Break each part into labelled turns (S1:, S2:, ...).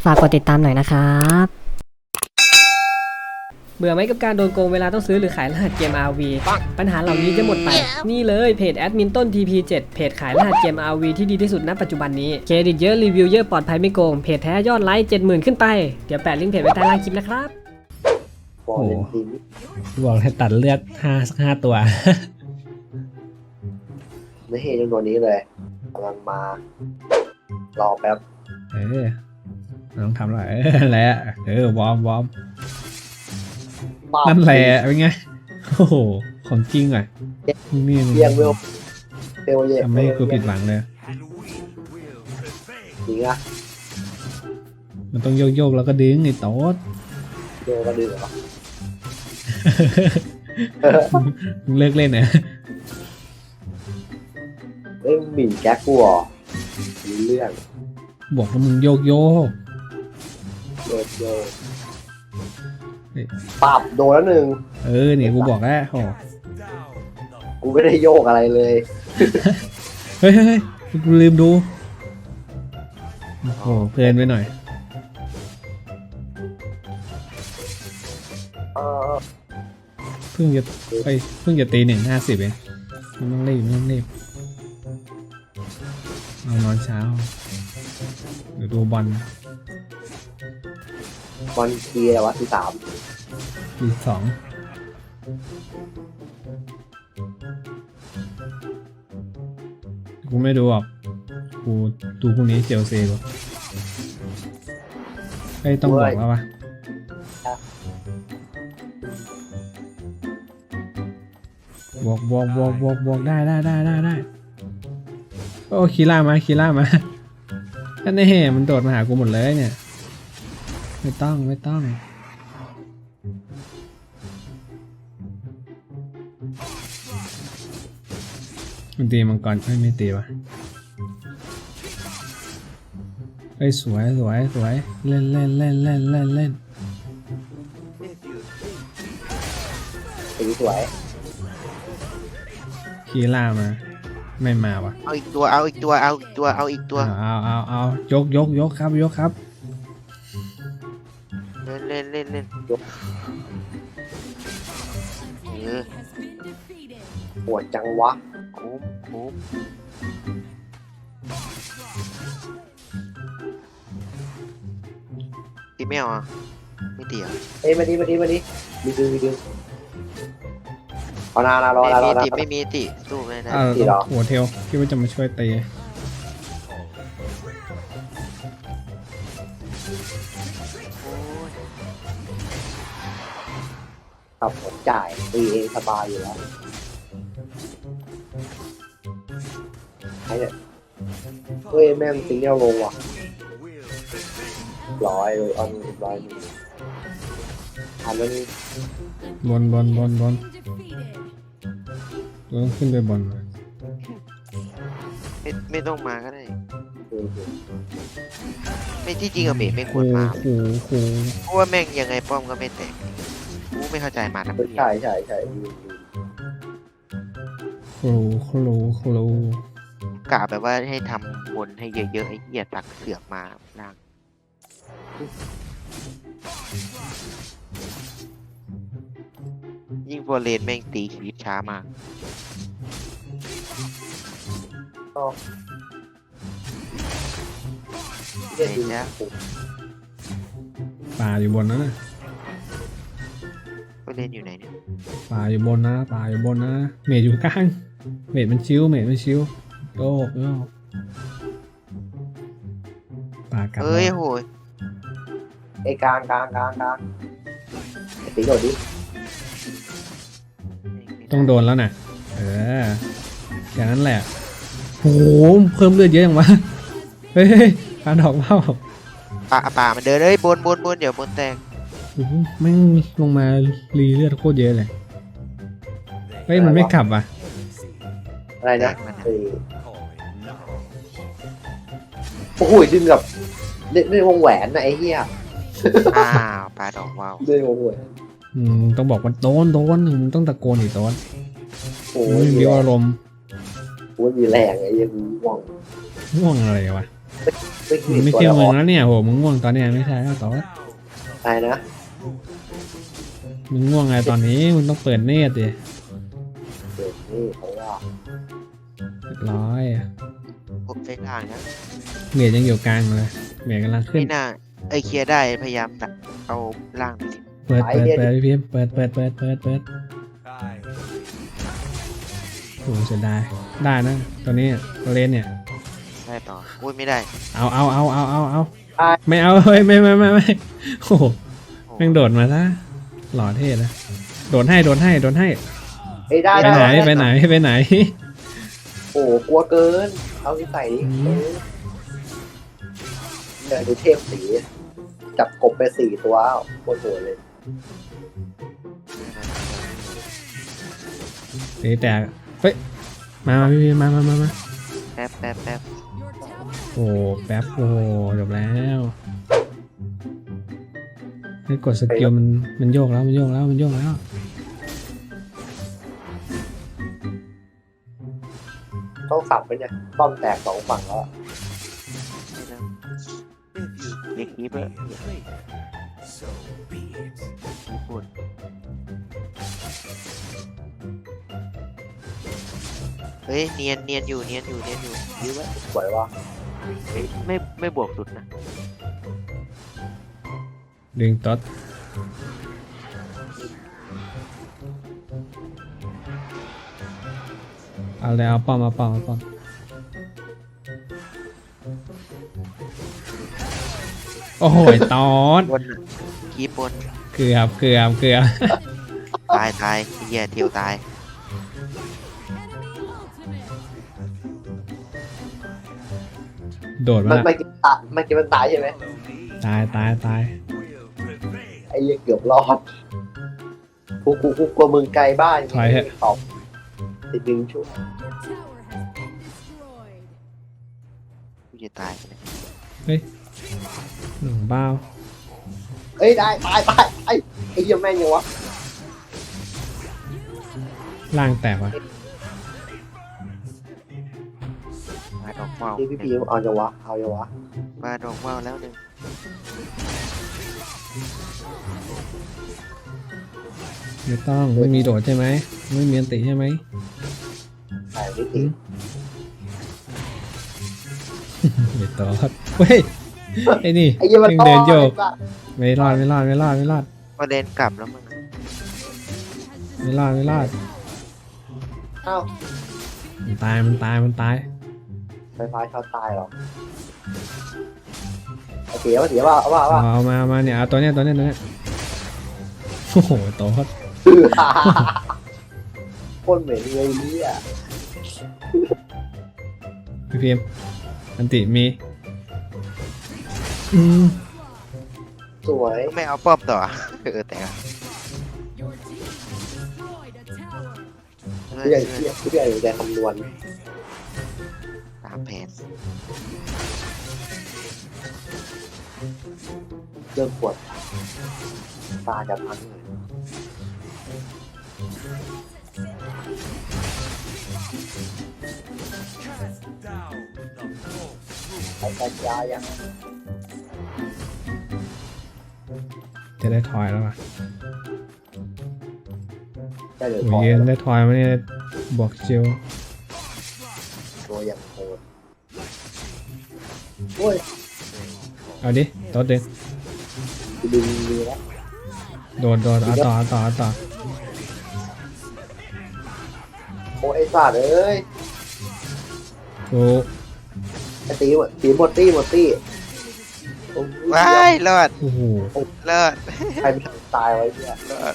S1: ฝากกดติดตามหน่อยนะครับ
S2: เบื่อไหมกับการโดนโกงเวลาต้องซื้อหรือขายรหัสเกม RV ปัญหาเหล่านี้จะหมดไปนี่เลยเพจแอดมินต้น TP7 เพจขายรหัสเกม RV ที่ดีที่สุดณปัจจุบันนี้เครดิตเยอะรีวิวเยอะปลอดภัยไม่โกงเพจแท้ยอดไลค์ 70,000 ขึ้นไปเดี๋ยวแปะลิงก์เพจไว้ใต้ล่างคลิปนะครับ
S3: โอ้โห
S4: บอกให้ตัดเลือดห้าตัว
S3: ไม่เห็นจำนวนนี้เลยกำลังมารอแป๊บ
S4: ต้องทำหน่อยอะไรอะวอร์ม
S3: ปั๊บ
S4: นั่นแหละเป็นไงโอ้โหของจริงอ่ะนี่
S3: เรียงเวลเวลเย
S4: ทำให้กูผิดหวังเลย
S3: จริงอะ
S4: มันต้องโยกแล้วก็ดึงไอ้โต๊ด
S3: เวลก็ดื้อเหรอ
S4: มึงเลิกเล่นนะ
S3: เอ้ยหมิ่นแก๊กกูเหรอมีเรื่อง
S4: บอกว่ามึงโยก
S3: โยปับโดนแล้วหนึ่ง
S4: เนี่ยกูบอกแล้วโอ้
S3: กูไม่ได้โยกอะไรเลย
S4: เฮ้ยกูลืมดูโอ้โหเพลินไปหน่อย เพิ่งจะตี1:50เองไม่ต้องรีบเอานอนเช้าเดี๋ยวดูบอล
S3: บอลทีอะไรวะที่3
S4: ที2กูไม่ดูหรอกกูดูพรุ่งนี้เชลซีกูต้องบอกแล้ววะบอกได้โอ้คีล่ามานั่นแน่มันโดดมาหากูหมดเลยเนี่ยไม่ต้องมันตีมังกรไม่ตีวะสวยเล่น
S3: สวย
S4: คีล่ามาไม่มาวะ
S5: เอาอีกตัว
S4: เอายกครับ
S5: เล่น
S3: ปวดจังวะ
S5: คุ้มตีไม่เอาอ่ะไม่ตีอ่ะ
S3: เอ้ยมาดิมีดึงเอานารอ
S5: ไม่มีตีสู้ไม่ได้
S4: หัวเทลคิดว่าจะมาช่วยตี
S3: ครับผมจ่ายตีเองสบายอยู่แล้วไอ้เนี่ยเฮ้ยแม่งซิงเกิลลงว่ะร้อยเลยอันร้อยอันนั้น
S4: บอลต้องขึ้นไปบอล
S5: ไม่ต้องมาก็ได้ไม่ที่จริงอะเมย์ไม่ควรมาเพราะว่าแม่งยังไงป้อมก็ไม่แตกกูไม่เข้าใจมาทำไม
S3: ใช่
S4: โคล
S5: กะแบบว่าให้ทำบนให้เยอะๆไอ้เหี้ยตักเสือกมาล่างยิ่งโฟเลนแม่งตีชีวิตช้ามาก
S3: เรียนดู
S5: เนี่ย
S4: ป่าอยู่บนนะ
S5: โฟเลนอยู่ไหนเนี่ย
S4: ป่าอยู่บนนะเมดอยู่กลางเมดมันชิวโยกป่ากลับ
S5: เอ้ยโหย
S3: ไอ้กลางไอ้ตีโดดดิ
S4: ต้องโดนแล้วนะแค่นั้นแหละโหเพิ่มเลือดเยอะอย่างวะเฮ้ยปาดอกเป้า
S5: ป่ามันเดินเลยบนเดี๋ยวบนแตก
S4: แม่งลงมารีเลือดโคตรเยอะเลยมันไม่ขับอ่ะ
S3: อะไรนะโอ้โหดึงกับเล่นวงแหวนนะไอ้เหี้ย
S5: ปลาดอกว้าว
S3: เล่นวงแหวน
S4: ต้องบอกว่าโดนมึงต้องตะโกนอีกโดน
S3: โอ้
S4: มีอารมณ์
S3: มีแรงไอ้ยังง่วง
S4: ง่วงอะไรวะ
S3: ไม่
S4: มึงไม่
S3: ตัว
S4: เที่ยว
S3: ละ
S4: เมื
S3: อ
S4: อง
S3: อก
S4: แล้วเนี่ยโหมึงง่วงตอนเนี้ยไม่ใช่แล้วต่อ
S3: ตายนะ
S4: มึงง่วงไงตอนนี้มึงต้องเปิดเนตรดิ
S3: เดี๋ยวนี่เพราะว่า
S4: เรียบร้อยอะ
S5: ผมใช้ล่างนะ
S4: เมียยังอยู่กลางเลยเมียกำลังขึ้น
S5: ไม่น่าเคลียร์ได้พยายามตัดเอาล่างไปสิ
S4: เปิดพี่พิมพ์เปิดโอ้เสียดายได้นะตัวนี้ตัวเลนเนี่ย
S5: ได้ต่ออุ้ยไม่ได้
S4: เอาไม่เอาเฮ้ยไม่โอ้โหแม่งโดดมาซะหล่อเท่นะโดดให้
S3: เอ้ยได้
S4: ไปไหน
S3: โอ้กลัวเกิน เอาที่ใส่ดิ
S4: อืม
S3: เนี่ยดูเทพสีจับกบไป4 ตัวอ้าวโคตรโหดเลย
S4: ตีแตกเฮ้ยมาพี่พิมพ์มา
S5: แป๊บ
S4: โอ้แป๊บโอ้จบแล้วให้กดสกิลมันโยกแล้ว
S3: ต้องสับไปเนี่ยป้อมแตก2 ฝั่งแล้วอะ
S5: เด็กนี้เพื่อพูดเฮ้ยเนียนอยู่ยื้อไว้
S3: สวยว่ะ
S5: เฮ้ยไม่บวกสุดนะ
S4: ดึงต๊อดเอาเลยเอาป้อมโอ้โหตอด
S5: บนน่ะคีบบน
S4: เกือบ
S5: ตายเหี้ยเทียวตาย
S4: โดด
S3: มัน
S4: มา
S3: ไม่กินมันตายใช่ไหม
S4: ตาย
S3: ไอ้เหี้ยเกือบรอดกูกลัวมึงไกลบ้าน
S4: ถอยเถอะ
S3: ตอบติดดึงช่วย
S5: กูจะตายไปเลย
S4: เฮ้ยหนุ่มบ้าว
S3: เอ้ยได้ตายไอ้เหี้ยแม่งยังวะ
S4: ล่างแตกวะ
S5: มาดอกว่าว
S3: ที่พี่พีเอาจังวะเอา
S5: มาดอกว่าวแล้วหนึ่ง
S4: ไม่ต้องไม่มีโดดใช่ไหมไม่มีอันติใช่ไหม
S3: ใส่นิดนึง
S4: ไม่ตอดเฮ้ยไอ้นี่
S3: ไอ้เหี้ยมัน
S4: เดินโยก
S3: ต่อ
S4: ไม่รอด
S5: ก็เดินกลับแล้วมึง
S4: ไม่รอด
S3: เอ้า
S4: มันตาย
S3: ไฟฟ้าช็อตตายเหรอเอาเสียว่าเอา
S4: เอามาเนี่ยเอาตัวเนี้ยโอ้โหโตด
S3: โคตรเหม็นเลยเนี่ย
S4: พี่พิมพ์อันติมี
S3: สวย
S5: ไม่เอาป้อมต่อแต่
S3: ผู้ใหญ่อยู่ใจคำนวณ
S5: ตามแผน
S3: เรื่องปวดตาจะพังเลยไอ้กัญญายัง
S4: จะได้ทอยแล้วป่ะ
S3: ได้เลย
S4: โอ้
S3: พอย
S4: ยืนได้ทอยมาเนี่ยบวกจิว
S3: ตัวอย่างโหดโอ้ย
S4: เอาดิโต๊ดดึง
S3: ดึงแล้ว
S4: โดดเอาต่อ
S3: โอ้ไอ้สัตว์เอ้ย
S4: กู
S3: ไอ้ตีหมดตี้โอ้ย
S5: ว้ายรอด
S4: โอ้โห
S5: รอด
S3: ใครไม่ตายไว้เนี่ย
S5: รอด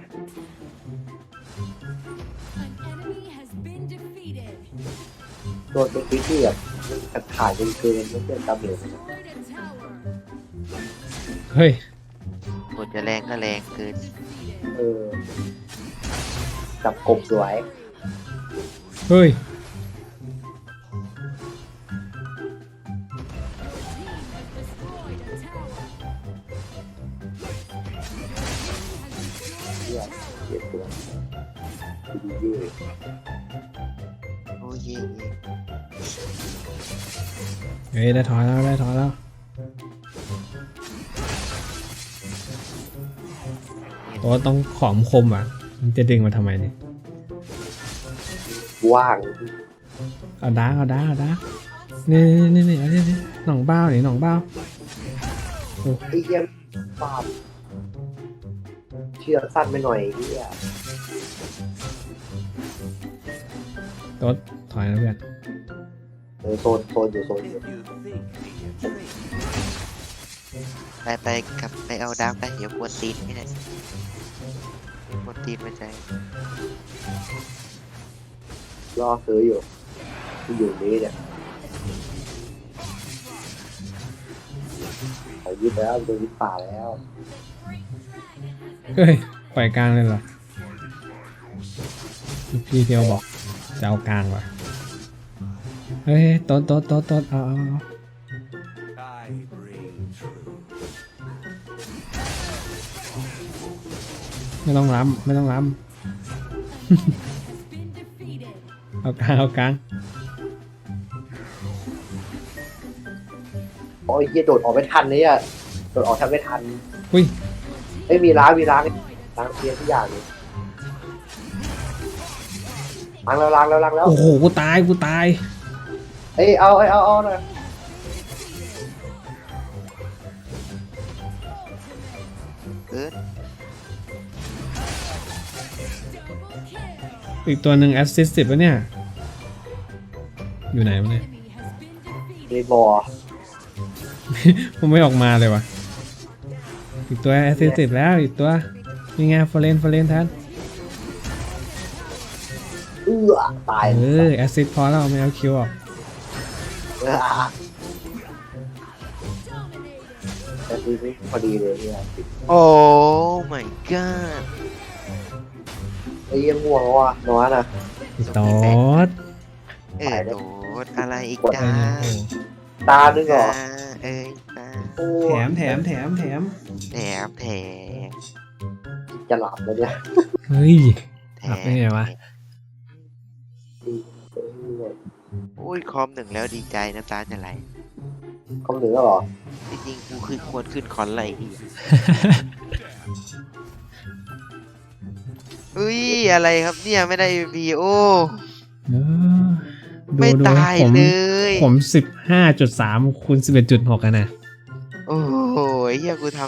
S3: โดนเป็นพิธีแบบขาดเกินไม่เป็นตาเบล
S4: เฮ้ย
S5: กดจะแรงก็แรงเกิน
S3: จับกบสวย
S4: เฮ้ย
S3: เยี่ยมเยี่ยมตัวดีเย่
S5: โอ้ย
S4: เฮ้ยได้ถอยแล้วได้ถอยแล้วตัวต้องขอมคมอ่ะมันจะดึงมาทำไมเนี่ย
S3: ว่าง
S4: เอาดาร์กเอาดาร์กเอาดาร์กนี่เอานี่หนองเบ้านี่หนองเบ้า
S3: ไอ้เหี้ยปาบเชือกสั้นไปหน่อยไอ้เหี้ย
S4: ตัวถอยนะเพื่อน
S3: โซนอยู่
S5: ไปกลับไปเอาดาร์กไปเดี๋ยวกวนตีนไม่ได้กวนตีนไม่ใจ
S3: รอซื้ออยู่นี้เนี่ยเขายึดแล้วโดนยึดป่าแล้ว
S4: เฮ้ยปล่อยกลางเลยเหรอพี่เทียวบอกจะเอากลางว่ะเฮ้ยโต๊ดเอาไม่ต้องล้ำเอากลาง
S3: โอ้ยเหี้ยโดดออกไม่ทันเลยอ่ะโดดออกแทบไม่ทัน
S4: อุ้ย
S3: ไม่มีล้างเทียนทุกอย่างเลยล้างแล้ว
S4: โอ้โหกูตาย
S3: เอ้ยเอาหน่อย
S5: เออ
S4: อีกตัวหนึ่งแอสซิสต์10แล้วเนี่ยอยู่ไหนวะเนี่ย
S3: ในบ่อ
S4: ผมไม่ออกมาเลยวะอีกตัวแอสซิสต์10แล้วอีกตัวนี่ไงฟอเรนแทน
S3: ตาย
S4: แอสซิสต์พอแล้วไม่เอาคิวออก
S3: แต่คือพอดีเลยเนี่ย
S5: โอ้ my god
S3: ไอ้เหี้ยังง่วงว่ะนอนอ่ะ
S4: อีกตอด
S5: โดดอะไรอีกจ้า
S3: ตานึงเหรอ
S5: เอ้ยตา
S3: โอ้
S4: แถม
S5: แถม
S3: จะหลับแล้วเนี่ย
S4: เฮ้ย
S5: แถ
S4: หลับได้ไงวะ
S5: อุ้ยคอม1แล้วดีใจน้ำตาจะไหล
S3: คำหนึ่งแล้วเหรอ
S5: จริงๆกูคือควรขึ้นคอนไหลอีกอุ้ยอะไรครับเนี่ยไม่ได้ MVP โอ้
S4: เออดู
S5: ไม่ตาย
S4: ผม
S5: เลย
S4: ผม 15.3 คูณ 11.6กันนะ
S5: โอ้โหเฮียกูทำ